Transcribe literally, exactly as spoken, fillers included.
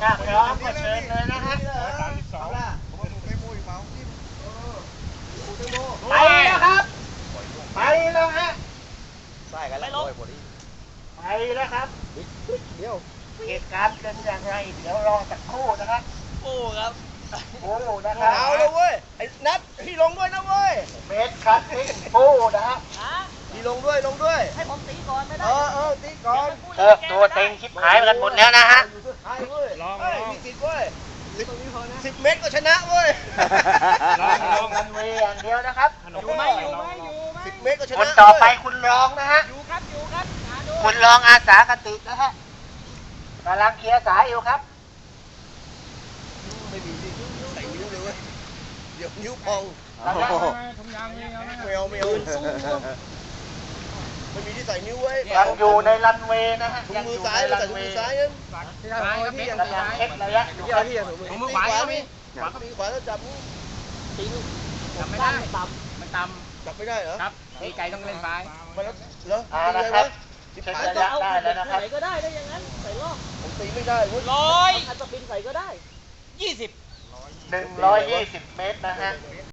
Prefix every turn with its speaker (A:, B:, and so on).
A: ถ้าพร้อมก็เชิญเลยนะฮะไปแล้วครับไปแล้วฮะ
B: ใช่กันแล้วโอ้ยพอดี
A: ไปแล้วครับ
B: เดี๋ยว
A: เหตุการณ์เป็นอย่างไรเดี๋ยวรอสักครู่นะครับ
B: โอ้ครับ
A: โอ้นะครับ
B: เอาเลยเว้ยไอ้นัทพี่ลงด้วยนะเว้ย
A: เมตรครับทิ้งปูนะฮะ
B: พี่ลงด้วยลงด้วย
C: ให้ผมตีก่อนไม่ได้
B: เออเออตีก่อน
A: เออตัวเต็งชิบหายกันหมดแล้วนะฮะ
B: ใช่เว้ยลองมีสิทธิ์เว้ยสิบเมตรก็ชนะเว้ย
A: ลองลองกันเวอย่างเดียวนะครับ
C: อยู่ไหมอยู่ไหมอยู่ไหม
B: สิบเมตรก็ชนะ
A: คนต่อไปคุณรองนะฮะ
C: อยู่ครับอยู่ครับหาดู
A: คุณรองอาสากติกนะฮะกำลังเคลียร์สายอยู่ครับ
B: ไม่มีที่ใส่นิ้วเลยเว้ยเดี๋ยวนิ้วพอง
A: กำลัง
B: ไม่เอาไม่เอาไม่มีที่ใส่นิ้วเว้ย
A: ยังอยู่ในรันเวย์นะฮะ
B: ถุง
A: ยัง
B: มื
A: อ
B: อยู่ ซ้าย
A: ใน
B: เรา
A: รั
B: ใส่
A: น
B: ถุง
A: เว
B: มือ
A: ย์
B: ซ้ายยัง
A: กำลังเช็คระยะอยู่ครับ
B: ถุงมือขวาก็มีขวาก็มีขวาแล้วจับมือ
C: จำไม่ได้ต่ำมันต่
B: จับไม่ได้เหรอ
C: ำครับดีใจต้องเล่นไป
B: มาแล้วเหรอ
A: อ่า
B: ตี
A: นะ
B: เลย
A: ครั
B: วะ
A: บ
B: สิบ
A: เช็ค
B: หาย
A: ระ
B: จั
A: ยะ
B: บ
A: ได้แล้วนะครับ
C: ใส่ก็ได้ได้ยังงั้นใส่รอบ
B: ผมตีไม่ได้เว้ย
C: ร้อยอันสปินใส่ก็ได้ยี่สิบ
A: หนึ่งร้อยยี่สิบเมตรนะฮะ